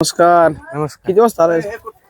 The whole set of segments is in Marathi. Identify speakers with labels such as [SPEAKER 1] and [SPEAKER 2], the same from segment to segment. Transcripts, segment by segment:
[SPEAKER 1] नमस्कार.
[SPEAKER 2] नमस्कार.
[SPEAKER 1] किती वाजता आलाय?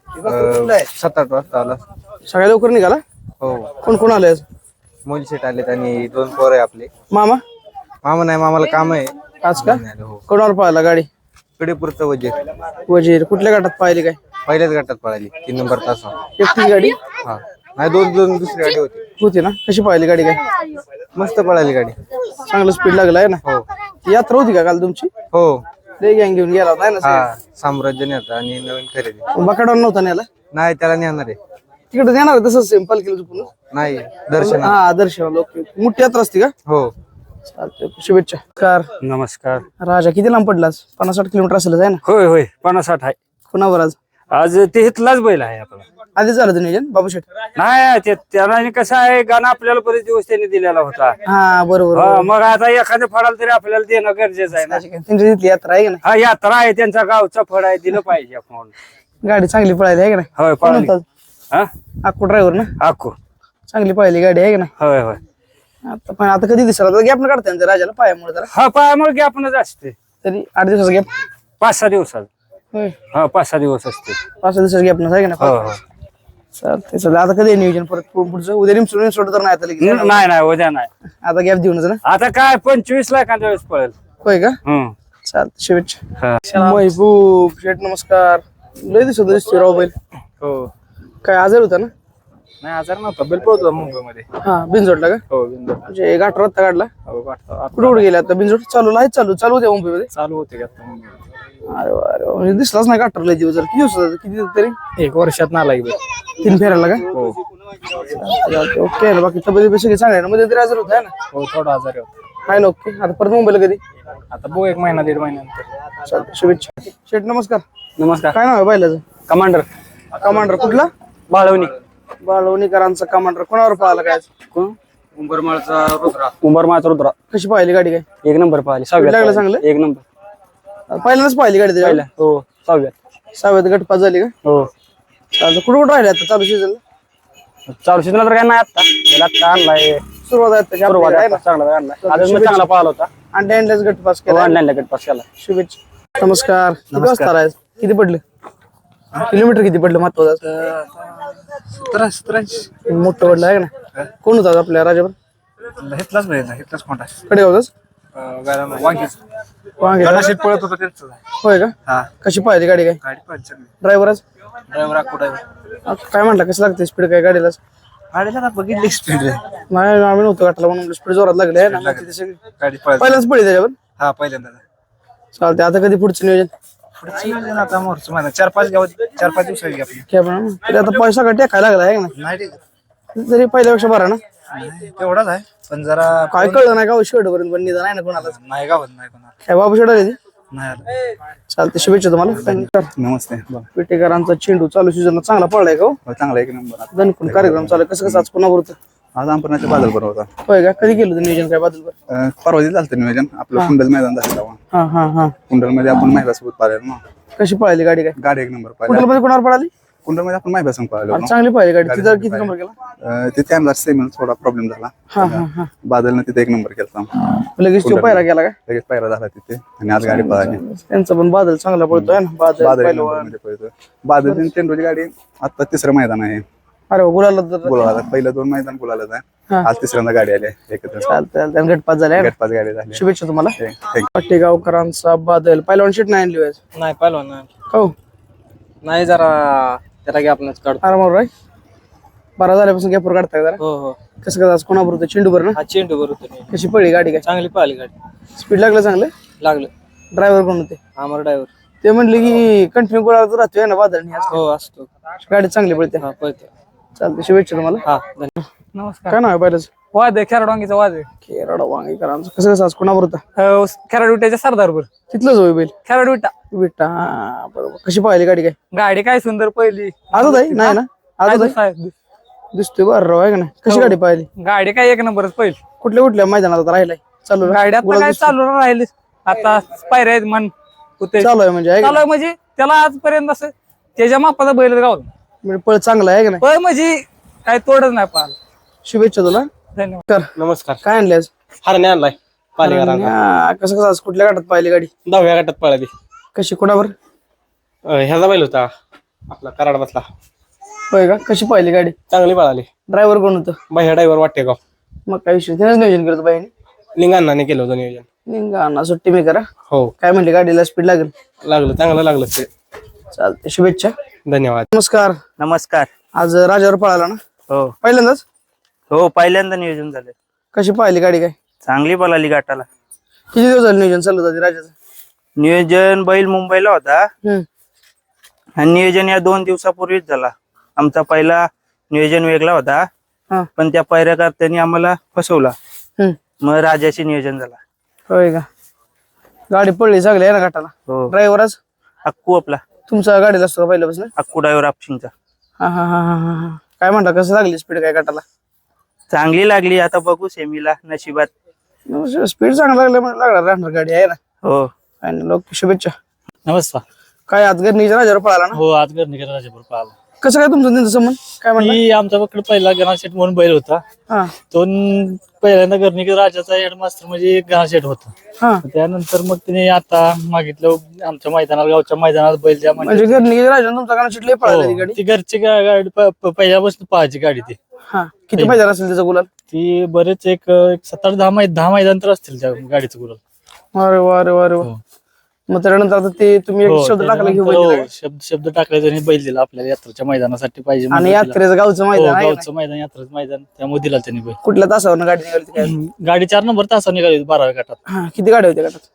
[SPEAKER 2] 7-8 वाजता आला.
[SPEAKER 1] सगळ्या लवकर निघाला.
[SPEAKER 2] हो,
[SPEAKER 1] कोण कोण आले?
[SPEAKER 2] मुली सेट आले आणि 2 पोर आहे आपले.
[SPEAKER 1] मामा
[SPEAKER 2] मामा नाही, मामाला काम आहे.
[SPEAKER 1] आज का
[SPEAKER 2] नाही आले. हो,
[SPEAKER 1] कोणावर पाहिला गाडी?
[SPEAKER 2] कडेपूरचं वजीर
[SPEAKER 1] वजीर कुठल्या गटात पाहिली काय?
[SPEAKER 2] पहिल्याच गटात पळाली 3 नंबर तास.
[SPEAKER 1] एकटी गाडी
[SPEAKER 2] हा, नाही दोन दुसरी गाडी होती.
[SPEAKER 1] होती ना? कशी पाहिली गाडी काय?
[SPEAKER 2] मस्त पळाली गाडी.
[SPEAKER 1] चांगलं स्पीड लागलं आहे ना?
[SPEAKER 2] हो
[SPEAKER 1] यात्रा होती का काल तुमची?
[SPEAKER 2] हो.
[SPEAKER 1] लय गँग घेऊन गेला होता है ना?
[SPEAKER 2] हा, साम्राज्य नेता आणि नवीन खरेदी.
[SPEAKER 1] बकाडावर नव्हता नेला?
[SPEAKER 2] नाही, त्याला नेणार आहे.
[SPEAKER 1] तिकडे देणार तसंच सिंपल केलं चुकून.
[SPEAKER 2] नाही, दर्शन.
[SPEAKER 1] हा दर्शन लोक मोठी यात्रा असते का?
[SPEAKER 2] हो.
[SPEAKER 1] चालतंय, शुभेच्छा. कार
[SPEAKER 3] नमस्कार.
[SPEAKER 1] राजा किती लांब पडलास? 50-60 किलोमीटर असेल आहे ना?
[SPEAKER 3] होय होय 50-60 आहे.
[SPEAKER 1] कुणावर आज?
[SPEAKER 3] आज ते इथलाच बैल आहे आपला.
[SPEAKER 1] आधी झालं नियोजन बाबूशेठ?
[SPEAKER 3] नाही त्याला कसं आहे, गाणं आपल्याला बरेच दिवस त्यांनी दिलेला होता.
[SPEAKER 1] हा बरोबर.
[SPEAKER 3] हा, मग आता एखाद्या फळाला तरी आपल्याला देणं गरजेचं आहे ना.
[SPEAKER 1] त्यांची तिथली यात्रा आहे का
[SPEAKER 3] हा, यात्रा आहे, त्यांचा गावचा फळ आहे, दिलं पाहिजे आपण.
[SPEAKER 1] नाही? गाडी चांगली पळायली आहे का नाही?
[SPEAKER 3] होय,
[SPEAKER 1] कोण
[SPEAKER 3] पळाली.
[SPEAKER 1] होता?
[SPEAKER 3] हा,
[SPEAKER 1] अक्कू ड्रायव्हर ना?
[SPEAKER 3] आखू.
[SPEAKER 1] चांगली पळायली गाडी आहे का नाही?
[SPEAKER 3] होय होय.
[SPEAKER 1] आता कधी दिसला गॅप न काढता त्यांच्या राजाला पायामुळे जरा
[SPEAKER 3] हा, पायामुळे की आपणच असते.
[SPEAKER 1] तरी 8 दिवसाचा गॅप.
[SPEAKER 3] 5-6 दिवसात.
[SPEAKER 1] होय,
[SPEAKER 3] हा, 5-6 दिवस असते.
[SPEAKER 1] 5 दिवसाचा गॅप आहे का
[SPEAKER 3] हो
[SPEAKER 1] नाही?
[SPEAKER 3] हो.
[SPEAKER 1] चालतंय चालतंय. आता कधी आहे नियोजन परत पुढचं? उद्या रिमसोड तर नाही आता लगेच.
[SPEAKER 3] नाही नाही, उद्या नाही.
[SPEAKER 1] आता गॅप देऊनच ना?
[SPEAKER 3] आता काय 25 लाखांच्या वेळेस पळेल.
[SPEAKER 1] होय का? चालतंय, शुभेच्छा. महबूब शेठ नमस्कार. लय दिसतोय राव बैल.
[SPEAKER 2] हो.
[SPEAKER 1] काय आजार होता ना?
[SPEAKER 2] नाही, आजार नव्हता. बैल पळतो मुंबईमध्ये.
[SPEAKER 1] हा, बिनजोडला का?
[SPEAKER 2] हो, बिंदू.
[SPEAKER 1] म्हणजे गाठ रत्ता काढला.
[SPEAKER 2] हो,
[SPEAKER 1] कुठे कुठे गेला आता? बिनजोड चालू आहे, चालू होत्या मुंबईमध्ये.
[SPEAKER 2] चालू होते का आता?
[SPEAKER 1] अरे वा, अरे वा. म्हणजे दिसलाच नाही गाठर लय दिवस. किती दिवस किती तरी
[SPEAKER 2] 1 वर्षात ना लागेल.
[SPEAKER 1] 3 फेरायला का?
[SPEAKER 2] हो
[SPEAKER 1] ओके. बाकी तब्येत सगळी चांगली आहे ना? मध्ये तरी आजार होता ना?
[SPEAKER 2] हो, थोडा आजारी होता.
[SPEAKER 1] काय ना? ओके. आता परत मुंबईला कधी?
[SPEAKER 2] आता बघू 1 महिना 1.5 महिन्यानंतर.
[SPEAKER 1] चालतंय, शुभेच्छा. शेठ नमस्कार.
[SPEAKER 3] नमस्कार.
[SPEAKER 1] काय नाव आहे बैलाचं?
[SPEAKER 3] कमांडर
[SPEAKER 1] कमांडर कुठला?
[SPEAKER 3] बाळवणी.
[SPEAKER 1] बाळवणीकरांचा कमांडर. कोणावर पाहिला काय?
[SPEAKER 3] उंबरमाळचा रुद्रा. उंबरमाळचा रुद्रा.
[SPEAKER 1] कशी पाहिली गाडी काय?
[SPEAKER 3] 1 नंबर पाहिली. 6व्यात
[SPEAKER 1] लागलं
[SPEAKER 3] पाहिली.
[SPEAKER 1] चांगलं?
[SPEAKER 3] 1 नंबर
[SPEAKER 1] पहिल्यांदाच पाहिली गाडी त्याच्या?
[SPEAKER 3] पाहिला. हो, 6व्यात.
[SPEAKER 1] 6व्यात गटपास झाली का?
[SPEAKER 3] हो.
[SPEAKER 1] चालतं. कुठं राहिले आता चालू सीझनला?
[SPEAKER 3] चालू सीजनला तर काय नाही आता. त्याला आता आणलाय.
[SPEAKER 1] सुरुवात आहे त्याची
[SPEAKER 3] सुरुवात
[SPEAKER 1] आपली, आहे
[SPEAKER 3] आहे
[SPEAKER 1] ना?
[SPEAKER 3] चांगला आणलाय. आजच मग चांगला पाहिला होता.
[SPEAKER 1] अंड्याच गटपास केला.
[SPEAKER 3] ऑनलाईन लगेच पास केला.
[SPEAKER 1] शुभेच्छा. नमस्कार. किती वाजता आलाय? किती पडले किलोमीटर? किती पडलं महत्वाचं?
[SPEAKER 2] 17
[SPEAKER 1] मोठं पडलं आहे का ना? कोण होता आपल्या राजावर?
[SPEAKER 2] घेतलाच पाहिजे, घेतलाच कोणता
[SPEAKER 1] कडे होताच
[SPEAKER 2] वांगीच
[SPEAKER 1] वांगे का?
[SPEAKER 2] गटाशीट पळत होता त्यांचं.
[SPEAKER 1] होय का?
[SPEAKER 2] हा,
[SPEAKER 1] कशी पाहिली गाडी काय?
[SPEAKER 2] गाडी पण चांगली.
[SPEAKER 1] ड्रायव्हरच
[SPEAKER 2] ड्रायव्हर कुठं
[SPEAKER 1] काय म्हटलं? कसं लागते स्पीड काय गाडीला?
[SPEAKER 2] गाडीला ना बघितली स्पीड
[SPEAKER 1] नाही, आम्ही नव्हतो गाठला म्हणून स्पीड जोरात लागली आहे ना? मग तिथे सगळी
[SPEAKER 2] गाडी पळत.
[SPEAKER 1] पहिल्यांदाच पडली त्याच्यावर.
[SPEAKER 2] हा, पहिल्यांदा.
[SPEAKER 1] चालते. आता कधी पुढचं नियोजन?
[SPEAKER 2] पुढचं नियोजन आता मोरचं महिना 4-5 दिवसाची आपली.
[SPEAKER 1] काय पण तरी आता पैसा का टेकायला लागला आहे का
[SPEAKER 2] नाही ठीक
[SPEAKER 1] ना? तरी पहिल्यापेक्षा बरा ना?
[SPEAKER 2] आहे, तेवढाच आहे पण जरा
[SPEAKER 1] काय कळलं नाही का शेवट पर्यंत? पण निदान आहे ना कोणाला?
[SPEAKER 2] नाही गावत नाही कोणाला.
[SPEAKER 1] काय बाबू शेवट आली?
[SPEAKER 2] नाही आलं.
[SPEAKER 1] चालते, शुभेच्छा तुम्हाला.
[SPEAKER 2] नमस्ते.
[SPEAKER 1] पेटेकरांचा चेंडू चालू सीझन चांगला पडलाय का?
[SPEAKER 2] चांगला 1 नंबर.
[SPEAKER 1] दणकून कार्यक्रम चालू कसं कसं आज कोणावर होतं?
[SPEAKER 2] आज अंपरनाच्या बादल बरोबर होता.
[SPEAKER 1] होय का? कधी केलं होतं नियोजन काय बाजूला?
[SPEAKER 2] परवा दिवस झालं नियोजन आपलं कुंडल मैदान झालं तेव्हा.
[SPEAKER 1] हा हा हा.
[SPEAKER 2] कुंडल मध्ये आपण महिलासोबत पाहिलं ना.
[SPEAKER 1] कशी पाहिली गाडी काय?
[SPEAKER 2] गाडी 1 नंबर पाहिली.
[SPEAKER 1] कुठल्या मध्ये कोणावर पडाली?
[SPEAKER 2] कुंडल मध्ये आपण महिलासंग पाहिलो.
[SPEAKER 1] अरे चांगली पाहिली गाडी. तिथं किती नंबर केला?
[SPEAKER 2] तिथे आमचा सेमीला थोडा प्रॉब्लेम झाला.
[SPEAKER 1] हा हा हा.
[SPEAKER 2] बादलनं तिथे 1 नंबर केला.
[SPEAKER 1] लगेच तो पायरा गेला का?
[SPEAKER 2] लगेच पायरा झाला तिथे आणि आज गाडी पळाली.
[SPEAKER 1] त्यांचा पण बादल चांगला पडतोय ना? बादल
[SPEAKER 2] बादल 1
[SPEAKER 1] पहिलवान.
[SPEAKER 2] नंबरमध्ये पळतोय. बादल आणि चेंडूची गाडी आता 3रं मैदान आहे.
[SPEAKER 1] अरे वा, गुलाला तर
[SPEAKER 2] गुलाला पहिलं 2 मैदान गुलालाच आहे.
[SPEAKER 1] हा.
[SPEAKER 2] आज 3ऱ्यांदा गाडी आली आहे एकत्र.
[SPEAKER 1] चालतंय. गटपास झालाय ना?
[SPEAKER 2] 5 गाडी झाली.
[SPEAKER 1] शुभेच्छा तुम्हाला.
[SPEAKER 2] Thank
[SPEAKER 1] पाटेगावकरांचा बादल पहिलवान शीट नाही आणली व्हायचं
[SPEAKER 3] नाही पहिलवान नाही.
[SPEAKER 1] हो?
[SPEAKER 3] नाही, जरा त्याला की आपणच काढतो.
[SPEAKER 1] आरामावर आहे. 12 झाल्यापासून गॅपवर काढताय जरा.
[SPEAKER 3] हो हो.
[SPEAKER 1] कसं कसं आज कोणाबरोबर होतं? चेंडूवर ना?
[SPEAKER 3] हा, चेंडू बरोबर.
[SPEAKER 1] कशी पडली गाडी काय?
[SPEAKER 3] चांगली पाहिली गाडी.
[SPEAKER 1] स्पीड लागलं चांगलं?
[SPEAKER 3] लागलं.
[SPEAKER 1] ड्रायव्हर कोण होते?
[SPEAKER 3] आमर ड्रायव्हर.
[SPEAKER 1] ते म्हणले की कंटिन्यू गुलाला राहतोय ना बादल.
[SPEAKER 3] हो, असतो.
[SPEAKER 1] गाडी चांगली पडते.
[SPEAKER 3] हा, पळते.
[SPEAKER 1] चालते, शुभेच्छा तुम्हाला.
[SPEAKER 3] हा, धन्यवाद. नमस्कार.
[SPEAKER 1] काय नाव आहे पहिलंच?
[SPEAKER 3] वाद आहे, खेराडवांगीचा वाद आहे.
[SPEAKER 1] केरळ वांगीकरांचं कसं कसं आज कोणावर होता?
[SPEAKER 3] खेराड विट्याच्या सरदारपूर.
[SPEAKER 1] तिथलंच होय बैल?
[SPEAKER 3] खेराड विटा.
[SPEAKER 1] विटा. हा, बरोबर. कशी पाहिली गाडी काय?
[SPEAKER 3] गाडी काय सुंदर पहिली.
[SPEAKER 1] आजच आहे? नाही ना? आजच आहे? दिसतोय बरं राव आहे का नाही? कशी गाडी पाहिली?
[SPEAKER 3] गाडी काय 1 नंबरच पहिली.
[SPEAKER 1] कुठल्या मैदानात आता राहिलाय चालू?
[SPEAKER 3] गाडी आता काय चालू राहिली. आता पायऱ्या आहेत मन होते.
[SPEAKER 1] चालू आहे म्हणजे? आहे का
[SPEAKER 3] चालू आहे म्हणजे त्याला आजपर्यंत असं त्याच्या मापाचा बैल गाव.
[SPEAKER 1] नाही? म्हणजे पळ चांगला आहे का नाही?
[SPEAKER 3] पळ म्हणजे काय तोडच नाही पाहिलं.
[SPEAKER 1] शुभेच्छा तुला.
[SPEAKER 3] धन्यवाद.
[SPEAKER 4] नमस्कार.
[SPEAKER 1] काय आणले आज?
[SPEAKER 4] हरणे आणलाय पालेकरांना.
[SPEAKER 1] कसं कसं आज कुठल्या गटात पाहिली गाडी?
[SPEAKER 4] 10व्या गटात पळाली.
[SPEAKER 1] कशी कोणावर? ह्याचा बैल होता आपला कराड बसला. होय का? कशी पाहिली गाडी? चांगली पळाली. ड्रायव्हर कोण होतं? बाह्या ड्रायव्हर वाटेगाव. मग काय विषय त्यानेच नियोजन करतो बाईने? लिंगांना केलं होतं नियोजन. लिंगांना सुट्टी मी करा. हो. काय म्हणले गाडीला स्पीड लागेल? लागलं, चांगलं लागलं ते. चालते, शुभेच्छा. धन्यवाद. नमस्कार.
[SPEAKER 2] नमस्कार.
[SPEAKER 1] आज राजावर पळाला ना?
[SPEAKER 2] हो
[SPEAKER 1] पहिल्यांदाच?
[SPEAKER 2] हो पहिल्यांदा नियोजन झालं.
[SPEAKER 1] कशी पाहिली गाडी? काय
[SPEAKER 2] चांगली पळाली गाठाला.
[SPEAKER 1] किती दिवस झालं नियोजन चालू होतं राजाचं?
[SPEAKER 2] नियोजन बैल मुंबईला होता आणि नियोजन या 2 दिवसापूर्वीच झाला. आमचा पहिला नियोजन वेगळा होता
[SPEAKER 1] हा.
[SPEAKER 2] पण त्या पैऱ्याकर्त्यांनी आम्हाला फसवला. मग राजाचे नियोजन झाला.
[SPEAKER 1] होय का? गाडी पडली चांगली आहे ना घाटाला?
[SPEAKER 2] हो.
[SPEAKER 1] ड्रायव्हर आज
[SPEAKER 2] अक्कू आपला
[SPEAKER 1] तुमचा गाडीला असतो का पहिल्यापासून?
[SPEAKER 2] अक्कू ड्रायव्हर आपशिंगचा.
[SPEAKER 1] हा हा हा हा हा. काय म्हणता, कसं लागली स्पीड काय घाटाला?
[SPEAKER 2] चांगली लागली. आता बघू सेमीला नशिबात.
[SPEAKER 1] स्पीड चांगला लागलं म्हणजे लागणार राहणार गाडी आहे ना?
[SPEAKER 2] हो.
[SPEAKER 1] आणि लोक शुभेच्छा.
[SPEAKER 4] नमस्कार.
[SPEAKER 1] काय आज गरणीच्या राजावर पळाला ना?
[SPEAKER 4] हो आज गरणीकर राजापूर पाहिला.
[SPEAKER 1] कसं काय तुमचं त्यांचं संबंध काय म्हणता?
[SPEAKER 4] मी आमच्याकडे पहिला गणाशेठ म्हणून बैल होता.
[SPEAKER 1] हा
[SPEAKER 4] तो पहिल्यांदा गरणीकर राजाचा हेडमास्टर म्हणजे गणाशेठ होता.
[SPEAKER 1] हा.
[SPEAKER 4] त्यानंतर मग तिने आता मागितलं आमच्या मैदानात, गावच्या मैदानात बैल द्या
[SPEAKER 1] म्हणजे गरणीच्या राजावर तुमचा गाणं शिटले पळाला ती गाडी?
[SPEAKER 4] ती घरची गाडी पहिल्यापासून पळायची गाडी ती.
[SPEAKER 1] हा. किती मैदान असेल त्याचा गुलाल?
[SPEAKER 4] ती बरेच एक 7-8-10 मैदान तर असतील त्या गाडीचं गुलाल.
[SPEAKER 1] अरे वा अरे वा अरे वा.
[SPEAKER 4] हो.
[SPEAKER 1] मग त्यानंतर आता ते तुम्ही एक
[SPEAKER 4] हो,
[SPEAKER 1] शब्द टाकला घेऊन
[SPEAKER 4] त्यानंतर हो, शब्द टाकला आणि बैल दिला आपल्याला यात्रेच्या मैदानासाठी पाहिजे
[SPEAKER 1] आणि
[SPEAKER 4] म्हणून दिला.
[SPEAKER 1] यात्रेचं गावचं
[SPEAKER 4] हो,
[SPEAKER 1] मैदान आहे ना?
[SPEAKER 4] गावचं मैदान, यात्रेचं मैदान, त्यामुळे दिला त्यांनी बैल.
[SPEAKER 1] कुठल्या तासावर गाडी निघाली होती काय?
[SPEAKER 4] गाडी 4 नंबर तासावर निघाली होती 12व्या गटात.
[SPEAKER 1] हा. किती गाड्या होत्या गटात?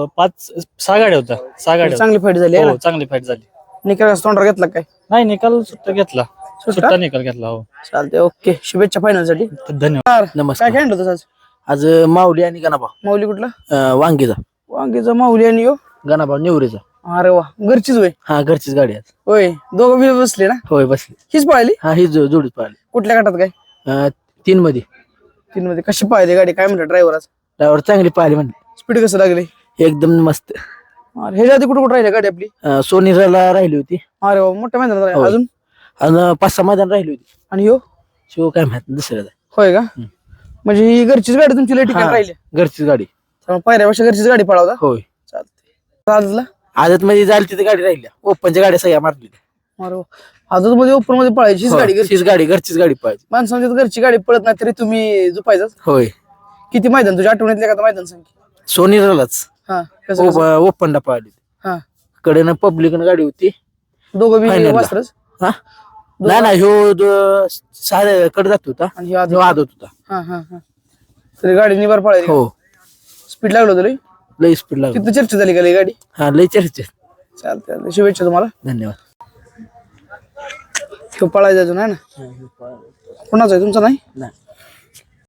[SPEAKER 4] 5-6 गाड्या होत्या. 6 गाड्या
[SPEAKER 1] चांगली फाईट झाली आहे
[SPEAKER 4] होत्या.
[SPEAKER 1] ना?
[SPEAKER 4] हो चांगली फाईट झाली.
[SPEAKER 1] निकाल तोंडावर घेतला काय?
[SPEAKER 4] नाही निकाल सुट्टा घेतला.
[SPEAKER 1] सुट्टा?
[SPEAKER 4] सुट्टा निकाल घेतला. हो
[SPEAKER 1] चालते, ओके. शुभेच्छा फायनल साठी.
[SPEAKER 4] धन्यवाद.
[SPEAKER 1] काय काय आणलं आज?
[SPEAKER 5] आज माऊली आणि गणाभाऊ
[SPEAKER 1] माऊली कुठला?
[SPEAKER 5] वांगीचा
[SPEAKER 1] वांगीचा माऊली आणि यो?
[SPEAKER 5] गणाभाऊ निवरेचा.
[SPEAKER 1] अरे वा, घरचीच होय?
[SPEAKER 5] हा घरचीच गाडी आहे.
[SPEAKER 1] होय, दोघं बी बसले ना?
[SPEAKER 5] होय बसली.
[SPEAKER 1] हीच पळाली?
[SPEAKER 5] हा ही जोडीच पाहिली.
[SPEAKER 1] कुठल्या गटात काय?
[SPEAKER 5] 3 मध्ये.
[SPEAKER 1] 3 मध्ये. कशी पाहिली गाडी? काय म्हणतात ड्रायव्हर आज?
[SPEAKER 5] ड्रायव्हर चांगली पाहिली म्हणली.
[SPEAKER 1] स्पीड कसं लागली?
[SPEAKER 5] एकदम मस्त.
[SPEAKER 1] अरे ह्याच्या आधी कुठे कुठे राहिली गाडी आपली?
[SPEAKER 5] सोनीराला राहिली होती.
[SPEAKER 1] अरे वा, मोठ्या मैदानात राहिली.
[SPEAKER 5] होय.
[SPEAKER 1] अजून?
[SPEAKER 5] आणि 5-6 मैदान राहिली होती.
[SPEAKER 1] आणि यो?
[SPEAKER 5] शिव काय माहित दुसऱ्याचा.
[SPEAKER 1] होय का? म्हणजे ही घरचीच गाडी तुमची लय ठिकाणी राहिली?
[SPEAKER 5] घरचीच गाडी.
[SPEAKER 1] त्यामुळे पहिल्यापेक्षा घरचीच गाडी पळावता?
[SPEAKER 5] होय.
[SPEAKER 1] चालते. आजला?
[SPEAKER 5] आदत मध्ये जायला तिथे गाडी राहिल्या. ओपनच्या गाड्या सगळ्या मारली.
[SPEAKER 1] अरे वा. आजच मध्ये ओपन मध्ये पळायची हीच गाडी?
[SPEAKER 5] घरचीच गाडी, घरचीच गाडी पाहिजे.
[SPEAKER 1] माणसांची घरची गाडी पळत नाही तरी तुम्ही झुपायचं?
[SPEAKER 5] होय.
[SPEAKER 1] किती मैदान तुझ्या आठवणीतल्या का मैदान संख्या?
[SPEAKER 5] सोनीरालाच
[SPEAKER 1] हा. कसं?
[SPEAKER 5] ओपनला पाहिली.
[SPEAKER 1] हा.
[SPEAKER 5] कडेनं पब्लिकन गाडी होती.
[SPEAKER 1] दोघं बी
[SPEAKER 5] Final ला.
[SPEAKER 1] वासरच?
[SPEAKER 5] हा नाही ह्यो सारे कडे जात होता
[SPEAKER 1] आणि ह्यो आधी?
[SPEAKER 5] ह्यो आदत होता.
[SPEAKER 1] हा हा हा. तरी गाडी निभार पळायची?
[SPEAKER 5] हो
[SPEAKER 1] स्पीड लागलो होतं लई?
[SPEAKER 5] लई स्पीड लागली.
[SPEAKER 1] किती चर्चा झाली का लई गाडी?
[SPEAKER 5] हा लई चर्चा.
[SPEAKER 1] चालते, शुभेच्छा तुम्हाला.
[SPEAKER 5] धन्यवाद.
[SPEAKER 1] ह्यो पळायचा अजून आहे ना? कोणाचा आहे तुमचा? नाही.